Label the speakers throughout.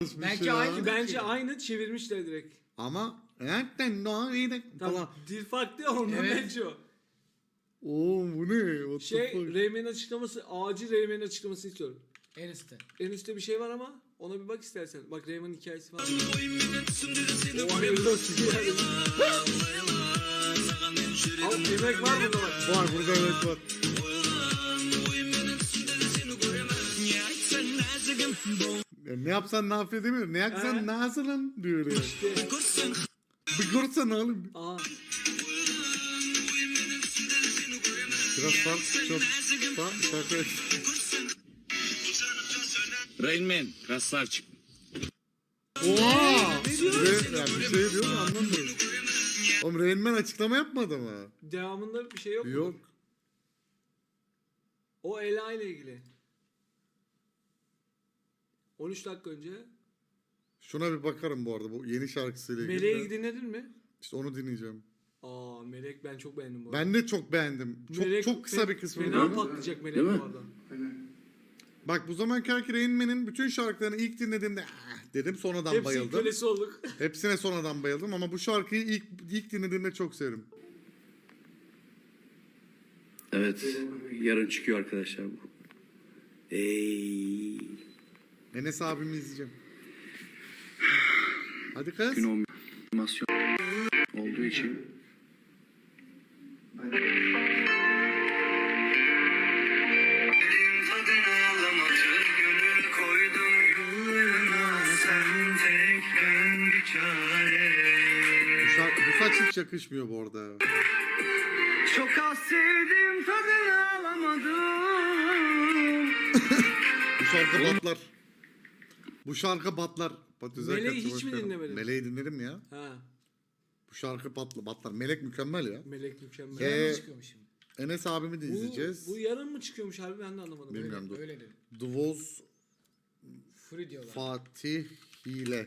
Speaker 1: Belki aynı.
Speaker 2: Bence aynı çevirmişler direkt.
Speaker 3: Ama falan.
Speaker 2: Tamam. Dil farklı ya ondan
Speaker 1: Evet.
Speaker 2: bence o.
Speaker 3: Oğlum bu ne? What the
Speaker 2: Şey
Speaker 3: fuck?
Speaker 2: Rayman'in açıklaması, acil Rayman'in açıklamasını istiyorum.
Speaker 1: En üstte.
Speaker 2: En üstte bir şey var ama ona bir bak istersen. Bak Rayman'ın hikayesi var. O hayırlı olsun yani. Al emek var bunda bak.
Speaker 3: Var burada evet var. Ya ne yapsan ne yapıyor demiyor. Ne yaksan ne hazırlan diyor ya.
Speaker 2: İşte.
Speaker 3: Bir görsene oğlum.
Speaker 2: Aa.
Speaker 3: Biraz fark çok fark şarkı.
Speaker 4: Rain Man, красавчик.
Speaker 3: Oha!
Speaker 2: Ne diyor?
Speaker 3: Yani bir şey diyor mu anlamıyorum. Oğlum Rain Man açıklama yapmadı mı?
Speaker 2: Devamında bir şey yok mu?
Speaker 3: Yok.
Speaker 2: O Ela ile ilgili. 13 dakika önce.
Speaker 3: Şuna bir bakarım bu arada bu yeni şarkısıyla ilgili.
Speaker 2: Meleği
Speaker 3: de.
Speaker 2: dinledin mi?
Speaker 3: İşte onu dinleyeceğim.
Speaker 2: Aa Melek ben çok beğendim bu arada.
Speaker 3: Ben de çok beğendim. Çok
Speaker 2: Melek
Speaker 3: çok kısa bir kısmı.
Speaker 2: Fena
Speaker 3: biliyorum.
Speaker 2: patlayacak Melek
Speaker 4: Değil mi?
Speaker 2: bu arada.
Speaker 3: Bak bu zamanki Rain Man'in bütün şarkılarını ilk dinlediğimde dedim sonradan
Speaker 2: Hepsinin
Speaker 3: bayıldım.
Speaker 2: kölesi olduk.
Speaker 3: Hepsine sonradan bayıldım ama bu şarkıyı ilk dinlediğimde çok sevdim.
Speaker 5: Evet, yarın çıkıyor arkadaşlar bu.
Speaker 3: Enes abimi izleyeceğim. Hadi kız.
Speaker 5: Gün animasyon olduğu için
Speaker 3: Bu saç hiç yakışmıyor bu arada.
Speaker 5: çok az sevdim tadını alamadım.
Speaker 3: Bu şarkı batlar. Bu şarkı batlar.
Speaker 2: Meleği hiç mi dinlemedin?
Speaker 3: Meleği dinledim ya.
Speaker 2: Ha.
Speaker 3: Bu şarkı batlar. Melek mükemmel ya.
Speaker 2: Melek mükemmel.
Speaker 1: Yarın çıkıyormuş şimdi.
Speaker 3: Enes abimi de izleyeceğiz.
Speaker 2: Bu yarın mı çıkıyormuş harbi ben de anlamadım.
Speaker 3: Bilmiyorum. dur.
Speaker 1: Öyle dedi.
Speaker 3: Dvoz
Speaker 1: Free diyorlar.
Speaker 3: Fatih Hile.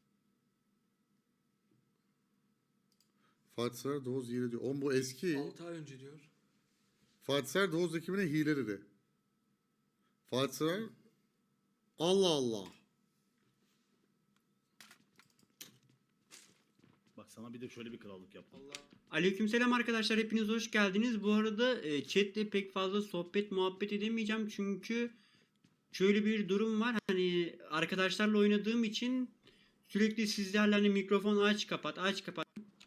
Speaker 3: Fatih Serer Dvoz Hile diyor. Oğlum bu eski.
Speaker 2: 6 ay önce diyor.
Speaker 3: Fatih Serer Dvoz ekibine hile dedi. Fatih Serer Allah Allah.
Speaker 6: Bak sana bir de şöyle bir krallık yaptım.
Speaker 7: Aleykümselam arkadaşlar, hepiniz hoş geldiniz. Bu arada chatte pek fazla sohbet muhabbet edemeyeceğim çünkü şöyle bir durum var. Hani arkadaşlarla oynadığım için sürekli sizlerle hani mikrofon aç kapat aç kapat.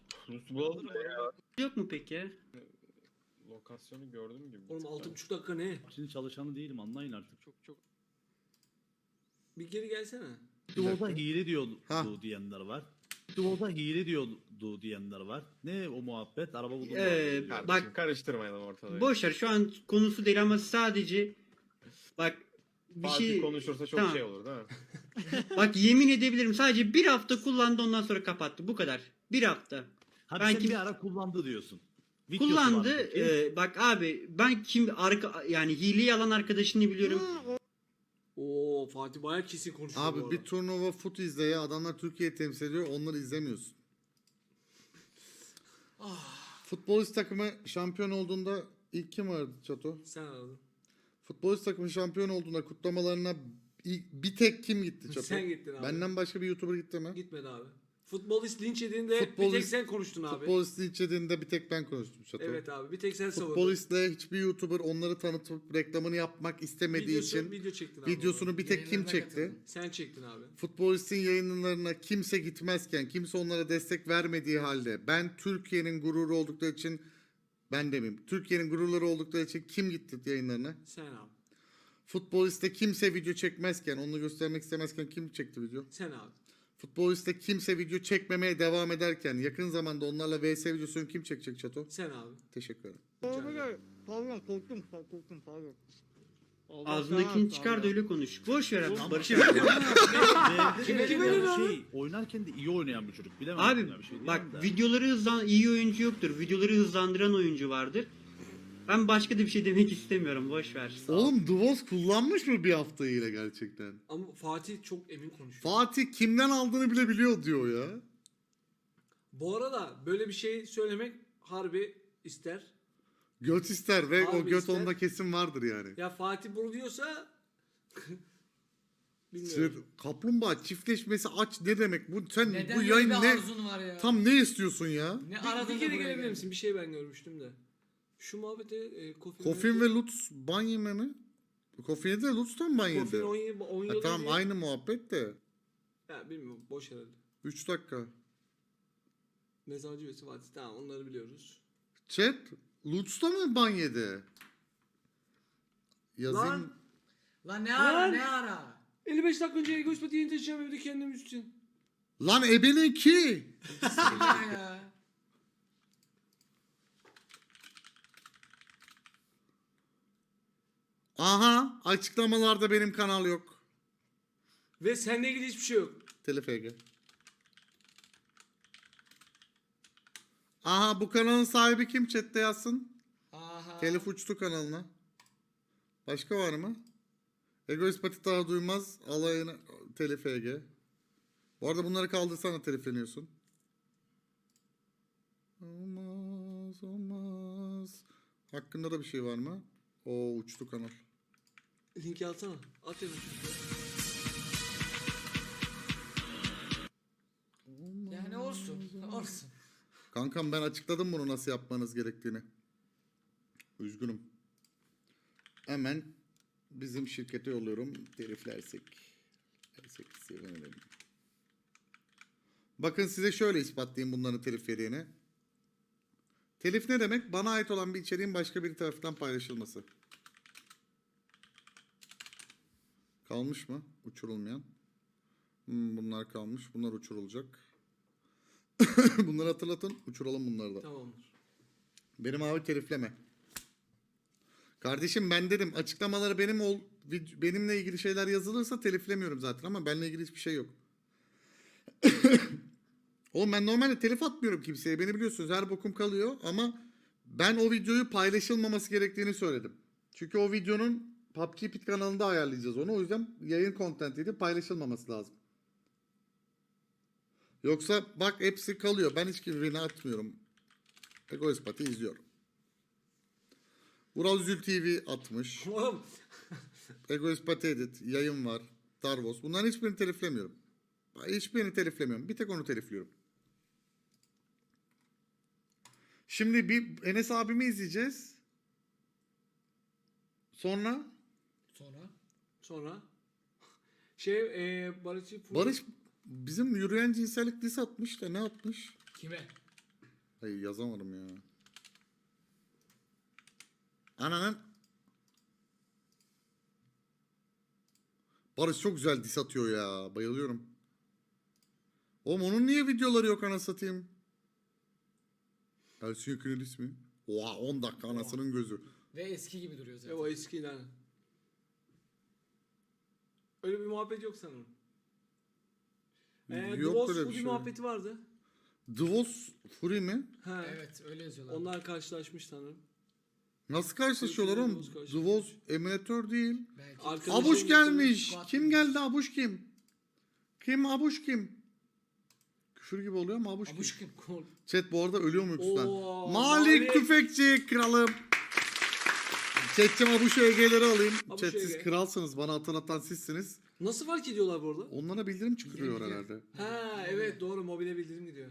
Speaker 7: Yok mu peki?
Speaker 8: Lokasyonu gördüm gibi.
Speaker 2: Oğlum 6,5 dakika ne?
Speaker 6: Şimdi çalışanı değilim, anlayın artık.
Speaker 8: Çok
Speaker 2: Bir geri gelsene.
Speaker 6: Duo'da hile diyordu
Speaker 3: Ha.
Speaker 6: diyenler var. Duo'da hile diyordu diyenler var. Ne o muhabbet? Araba buldum.
Speaker 2: Bak-
Speaker 8: bak karıştırmayalım ortalığı.
Speaker 7: Boşver, şu an konusu değil ama sadece bak bir
Speaker 8: Fatih
Speaker 7: şey
Speaker 8: konuşursa çok
Speaker 7: Tamam.
Speaker 8: şey olur değil mi?
Speaker 7: bak yemin edebilirim, sadece bir hafta kullandı ondan sonra kapattı, bu kadar. Bir hafta.
Speaker 6: Hadi
Speaker 7: Ben
Speaker 6: sen
Speaker 7: kim-
Speaker 6: bir ara kullandı diyorsun. Videosu
Speaker 7: Kullandı.
Speaker 6: var peki.
Speaker 7: Bak abi, ben yani hileyi alan arkadaşını biliyorum.
Speaker 2: Oo Fatih bayağı kesin konuşuyor bu
Speaker 3: Abi
Speaker 2: arada.
Speaker 3: bir turnuva fut izle ya. Adamlar Türkiye'yi temsil ediyor. Onları izlemiyorsun. Futbolist takımı şampiyon olduğunda ilk kim vardı Çato?
Speaker 2: Sen aradın.
Speaker 3: Futbolist takımı şampiyon olduğunda kutlamalarına bir tek kim gitti Çato?
Speaker 2: Sen gittin abi.
Speaker 3: Benden başka bir YouTuber gitti mi?
Speaker 2: Gitmedi abi. Futbolist linç yediğinde bir
Speaker 3: Futbolist-
Speaker 2: tek sen konuştun abi.
Speaker 3: Futbolisti içediğinde bir tek ben konuştum Çato.
Speaker 2: Evet abi bir tek sen savundun.
Speaker 3: Futbolistle hiçbir YouTuber onları tanıtıp reklamını yapmak istemediği için
Speaker 2: Video çektin abi.
Speaker 3: videosunu bir tek kim
Speaker 1: Yayınlarına
Speaker 3: çekti?
Speaker 1: katıldım.
Speaker 2: Sen çektin abi.
Speaker 3: Futbolistin yayınlarına kimse gitmezken, kimse onlara destek vermediği halde ben Türkiye'nin gururu oldukları için ben demeyeyim. Türkiye'nin gururları oldukları için kim gitti yayınlarına?
Speaker 2: Sen abi.
Speaker 3: Futboliste kimse video çekmezken, onu göstermek istemezken kim çekti video?
Speaker 2: Sen abi.
Speaker 3: Futboliste kimse video çekmemeye devam ederken yakın zamanda onlarla vs videosunu kim çekecek Çato?
Speaker 2: Sen abi.
Speaker 3: Teşekkür ederim.
Speaker 9: Pardon korktum pardon.
Speaker 7: Ağzındakini çıkar da öyle konuş. Boş ver abi. Barış abi.
Speaker 6: Oynarken de iyi oynayan bir çocuk. Bilemem.
Speaker 7: Abi
Speaker 6: ya, bir şey
Speaker 7: bak,
Speaker 6: diyemem de.
Speaker 7: videoları iyi oyuncu yoktur. Videoları hızlandıran oyuncu vardır. Ben başka da bir şey demek istemiyorum. Boş ver.
Speaker 3: Oğlum Dvoz kullanmış mı bir hafta ile gerçekten?
Speaker 2: Ama Fatih çok emin konuşuyor.
Speaker 3: Fatih kimden aldığını bile biliyor diyor ya.
Speaker 2: Bu arada böyle bir şey söylemek harbi ister.
Speaker 3: Göt ister ve
Speaker 2: Abi
Speaker 3: o göt
Speaker 2: ister.
Speaker 3: onda kesin vardır yani.
Speaker 2: Ya Fatih bunu diyorsa Bilmiyorum.
Speaker 3: Kaplumbağa çiftleşmesi aç ne demek? Bu sen
Speaker 1: Neden
Speaker 3: bu
Speaker 1: böyle
Speaker 3: yayın
Speaker 1: bir
Speaker 3: ne?
Speaker 1: arzun var ya?
Speaker 3: Tam ne istiyorsun ya?
Speaker 1: Ne
Speaker 2: Bir
Speaker 1: aradın da
Speaker 2: kere
Speaker 1: buraya
Speaker 2: gelebilir
Speaker 1: geldin?
Speaker 2: misin? Bir şey ben görmüştüm de. Şu muhabbete
Speaker 3: Kofin ve Lutz ban yeme mi? Kofin'e de Lutz'tan ban
Speaker 2: Kofin
Speaker 3: yedi.
Speaker 2: 10
Speaker 3: Ha,
Speaker 2: yıl
Speaker 3: tamam
Speaker 2: önce-
Speaker 3: aynı muhabbet de.
Speaker 2: Ya bilmiyorum boş herhalde.
Speaker 3: 3 dakika.
Speaker 2: Mezarcı ve Fatih tamam onları biliyoruz.
Speaker 3: Chat Lutz'ta mı ban yedi? Yazayım.
Speaker 2: Lan
Speaker 1: Lan ne ara
Speaker 2: Lan!
Speaker 1: ne ara?
Speaker 2: 55 dakika önce Egoist yeni taşıyacağım evde kendim için.
Speaker 3: Lan ebenin ki.
Speaker 1: Bismillah ya.
Speaker 3: Aha açıklamalarda benim kanal yok.
Speaker 2: Ve seninle ilgili hiçbir şey yok.
Speaker 3: Telef Ege. Aha bu kanalın sahibi kim chatte yazsın?
Speaker 1: Aha.
Speaker 3: Telif uçtu kanalına. Başka var mı? Egoist Pati daha duymaz. Alayına telif Ege. Bu arada bunları kaldırsana telifleniyorsun. Olmaz olmaz. Hakkında da bir şey var mı? Oo uçtu kanal.
Speaker 2: Linki alsana. At hemen.
Speaker 1: Yani olsun. Olsun.
Speaker 3: Kankam ben açıkladım bunu nasıl yapmanız gerektiğini. Üzgünüm. Hemen bizim şirkete yolluyorum. Teliflersek. Sevinirim. Bakın size şöyle ispatlayayım bunların telif yediğini. Telif ne demek? Bana ait olan bir içeriğin başka bir tarafından paylaşılması. Kalmış mı? Uçurulmayan. Bunlar kalmış. Bunlar uçurulacak. Bunları hatırlatın. Uçuralım bunları da.
Speaker 2: Tamamdır.
Speaker 3: Benim abi telifleme. Kardeşim ben dedim açıklamaları benimle ilgili şeyler yazılırsa teliflemiyorum zaten ama benimle ilgili hiçbir şey yok. Oğlum ben normalde telif atmıyorum kimseye. Beni biliyorsunuz her bokum kalıyor ama ben o videoyu paylaşılmaması gerektiğini söyledim. Çünkü o videonun PUBG Pit kanalında ayarlayacağız onu. O yüzden yayın content'iydi paylaşılmaması lazım. Yoksa bak hepsi kalıyor. Ben hiç birini atmıyorum. Egoist Pati izliyorum. Vural Zül TV atmış.
Speaker 2: Oğlum.
Speaker 3: Egoist Pati Edit yayın var. Darvos. Bunların hiçbirini teliflemiyorum. Hiçbirini teliflemiyorum. Bir tek onu telifliyorum. Şimdi bir Enes abimi izleyeceğiz. Sonra
Speaker 2: Sonra
Speaker 3: Barış bizim yürüyen cinsellik diss atmış da ne atmış?
Speaker 1: Kime?
Speaker 3: Hayır yazamadım ya. Ananın. Barış çok güzel diss atıyor ya. Bayılıyorum. Oğlum onun niye videoları yok anasını satayım? Ersin Yekin'in ismi. Oha 10 dakika anasının gözü.
Speaker 1: Ve eski gibi duruyor zaten.
Speaker 2: o eski lan. Öyle bir muhabbet yok sanırım.
Speaker 3: Yok
Speaker 2: Dvoz
Speaker 3: öyle bir
Speaker 2: Fury
Speaker 3: şey.
Speaker 2: muhabbeti vardı.
Speaker 3: Dvoz Fury mi?
Speaker 2: Ha.
Speaker 1: Evet öyle yazıyorlar.
Speaker 2: Onlar karşılaşmış sanırım.
Speaker 3: Nasıl karşılaşıyorlar oğlum?
Speaker 2: Dvoz karşılaşmış.
Speaker 3: Dvoz emülatör değil.
Speaker 1: Belki.
Speaker 2: Arkadaşım
Speaker 3: Abuş gelmiş.
Speaker 1: Squat
Speaker 3: Kim
Speaker 1: demiş.
Speaker 3: geldi Abuş kim? Kim Abuş kim? Küfür gibi oluyor ama Abuş kim?
Speaker 1: Abuş kim?
Speaker 3: Chat bu arada ölüyor mu yoksa?
Speaker 2: Oo,
Speaker 3: Malik
Speaker 2: Malik.
Speaker 3: Tüfekçi kralım. Chat'cim Abuş EG'leri alayım.
Speaker 2: Abuş
Speaker 3: Chat siz
Speaker 2: EG.
Speaker 3: kralsınız. Bana hatırlatan sizsiniz.
Speaker 2: Nasıl fark ediyorlar bu arada?
Speaker 3: Onlara bildirim çıkıyor
Speaker 1: Bildirim
Speaker 3: herhalde.
Speaker 2: Ha evet doğru mobile bildirim gidiyor.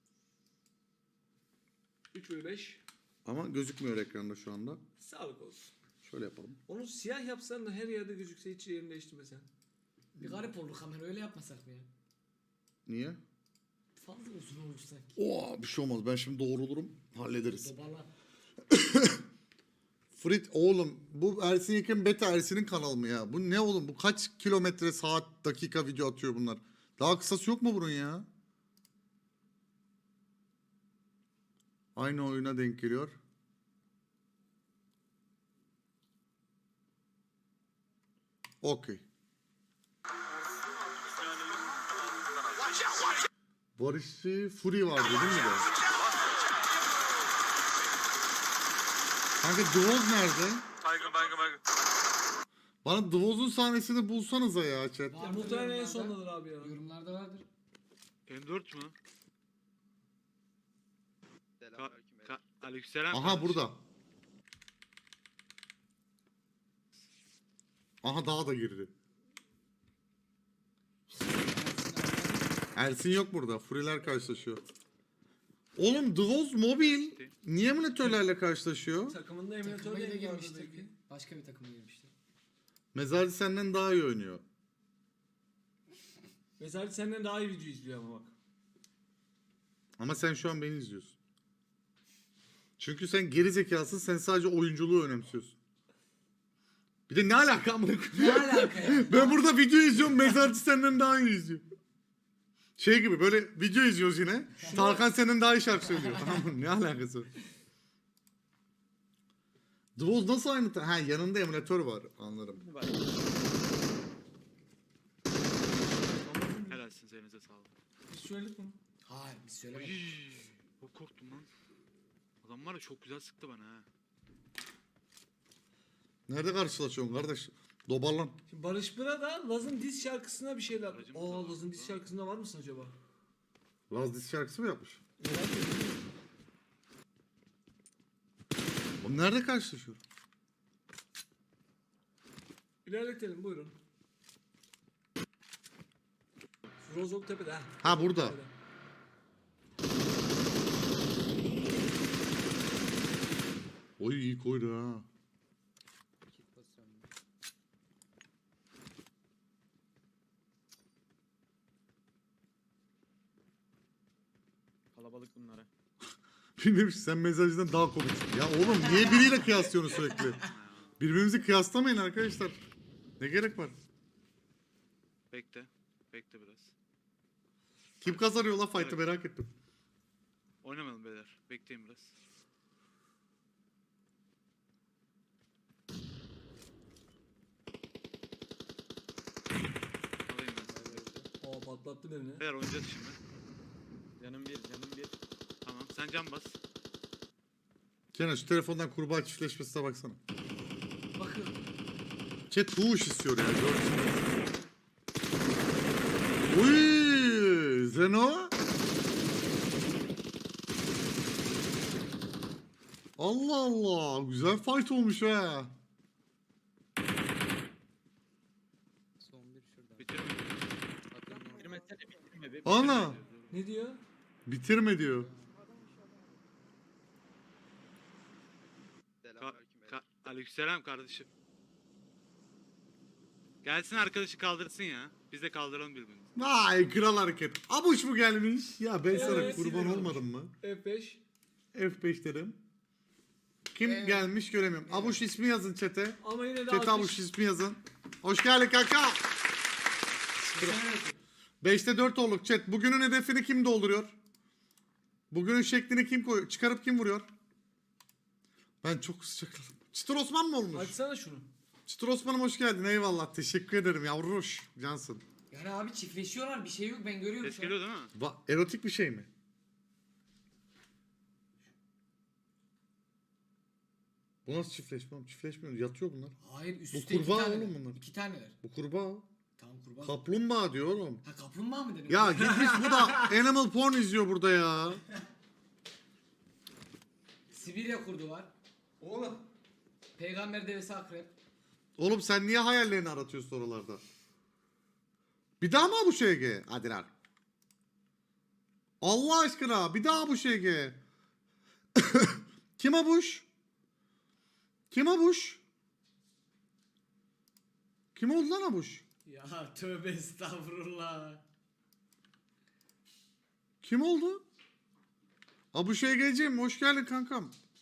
Speaker 2: 3/5.
Speaker 3: Ama gözükmüyor ekranda şu anda.
Speaker 2: Sağlık olsun.
Speaker 3: Şöyle yapalım.
Speaker 2: Onu siyah yapsan da her yerde gözükse hiç yerini değiştirmesen.
Speaker 1: Bir garip oldu kamera öyle yapmasak mı ya?
Speaker 3: Niye?
Speaker 1: Fazla uzun olmuş sanki.
Speaker 3: Oo bir şey olmaz. Ben şimdi doğrulurum. Hallederiz.
Speaker 1: Dobarla.
Speaker 3: Frit oğlum bu Ersin Yekin Beta Ersin'in kanalı mı ya? Bu ne oğlum? Bu kaç kilometre saat dakika video atıyor bunlar? Daha kısası yok mu bunun ya? Aynı oyuna denk geliyor. Okey. Barış'ı Fury vardı değil mi de? Kanka Dvoz nerede? Bana Dvoz'un sahnesini bulsanıza ya chat.
Speaker 2: Ya muhtemelen en sondadır abi ya.
Speaker 1: Yorumlarda vardır.
Speaker 6: M4 mü? Aleykümselam.
Speaker 3: Aha burada. Aha daha da girdi. Ersin yok burada. Furiler karşılaşıyor. Oğlum Dvoz Mobil niye emülatörlerle karşılaşıyor?
Speaker 2: Takımında emülatör
Speaker 1: Takımayı da
Speaker 2: değil vardı
Speaker 1: girmiştir.
Speaker 2: belki.
Speaker 1: Başka bir takıma girmiştir.
Speaker 3: Mezarcı senden daha iyi oynuyor.
Speaker 2: Mesela senden daha iyi video izliyor ama bak.
Speaker 3: Ama sen şu an beni izliyorsun. Çünkü sen geri zekasın, sen sadece oyunculuğu önemsiyorsun. Bir de ne alaka amına koyayım?
Speaker 1: Ne alaka ya?
Speaker 3: Ben burada video izliyorum, mezarcı senden daha iyi izliyor. Şey gibi böyle video izliyoruz yine. Tarkan senden daha iyi şarkı söylüyor. Tamam mı? Ne alakası var? Dvoz nasıl aynı? Ha yanında emülatör var. Anlarım.
Speaker 6: Helalsin elinize sağlık.
Speaker 2: Biz söyledik mi?
Speaker 1: Hayır biz söylemedik.
Speaker 6: Çok korktum lan. Adam var ya çok güzel sıktı bana ha.
Speaker 3: Nerede karşılaşıyorsun kardeş? Dobarlan.
Speaker 2: Şimdi Barış Bıra da Laz'ın diz şarkısına bir şeyler.
Speaker 6: Aracımız da var
Speaker 2: Laz'ın diz
Speaker 6: burada.
Speaker 2: şarkısında var mısın acaba?
Speaker 3: Laz diz şarkısı mı yapmış?
Speaker 2: Merak ediyorum.
Speaker 3: O nerede karşılaşıyor?
Speaker 2: İlerletelim buyurun. Rozok Tepe'de ha.
Speaker 3: Ha burada. Oy iyi koydu ha.
Speaker 6: Kalabalık bunlara.
Speaker 3: Bilmiyorum sen mezarcıdan daha komiksin. Ya oğlum niye biriyle kıyaslıyorsunuz sürekli? Birbirimizi kıyaslamayın arkadaşlar. Ne gerek var?
Speaker 6: Bekle. Bekle biraz.
Speaker 3: Kim kazanıyor la fight'ı merak ettim.
Speaker 6: Oynamayalım beyler. Bekleyin biraz. Alayım ben sizi.
Speaker 2: Aa patlattı beni.
Speaker 6: Beyler oynayacağız şimdi.
Speaker 8: Canım bir.
Speaker 6: Tamam sen can bas.
Speaker 3: Kenan şu telefondan kurbağa çiftleşmesine baksana.
Speaker 1: Bakın.
Speaker 3: Chat huş istiyor ya. Uy, Zeno. Allah Allah. Güzel fight olmuş ha.
Speaker 6: Bitirme.
Speaker 3: Ana.
Speaker 2: Ne diyor?
Speaker 3: Bitirme diyor.
Speaker 6: Aleykümselam kardeşim. Gelsin arkadaşı kaldırsın ya. Biz de kaldıralım birbirimizi.
Speaker 3: Vay kral hareket. Abuş mu gelmiş? Ya ben sana
Speaker 2: Evet,
Speaker 3: kurban
Speaker 2: sinir
Speaker 3: olmadım mı?
Speaker 2: F5.
Speaker 3: F5 dedim. Kim
Speaker 1: Evet.
Speaker 3: gelmiş göremiyorum. Abuş ismi yazın chat'e.
Speaker 2: Ama yine de
Speaker 3: Chat'e Abuş ismi yazın. Hoş geldin kanka. 5'te 4 olduk chat. Bugünün hedefini kim dolduruyor? Bugünün şeklini kim koyuyor? Çıkarıp kim vuruyor? Ben çok sıcakladım. Çıtır Osman mı olmuş?
Speaker 2: Açsana şunu.
Speaker 3: Çıtır Osman'ım hoş geldin. Eyvallah. Teşekkür ederim yavruş. Cansın.
Speaker 1: Yani abi çiftleşiyorlar bir şey yok ben görüyorum
Speaker 6: Ses
Speaker 1: şu an.
Speaker 6: geliyor değil mi?
Speaker 3: Erotik bir şey mi? Bu nasıl çiftleşme oğlum? Çiftleşmiyor. Yatıyor bunlar.
Speaker 1: Hayır üst
Speaker 3: Bu
Speaker 1: üste iki
Speaker 3: kurbağa
Speaker 1: taneler.
Speaker 3: oğlum bunlar.
Speaker 1: 2 taneler.
Speaker 3: Bu kurbağa.
Speaker 1: Tamam kurbağa.
Speaker 3: Kaplumbağa diyor oğlum.
Speaker 1: Ha kaplumbağa mı dedim?
Speaker 3: Ya gitmiş bu da Animal Porn izliyor burada ya.
Speaker 1: Sibirya kurdu var.
Speaker 2: Oğlum.
Speaker 1: Peygamber devesi akrep.
Speaker 3: Oğlum sen niye hayallerini aratıyorsun oralarda? Bir daha mı bu şeyge? Hadi lan. Allah aşkına bir daha bu şeyge. Kim Abuş? Kim Abuş? Kim oldu lan Abuş?
Speaker 1: Ya tövbe estağfurullah.
Speaker 3: Kim oldu? Abuş Ege'ciğim hoş geldin kankam.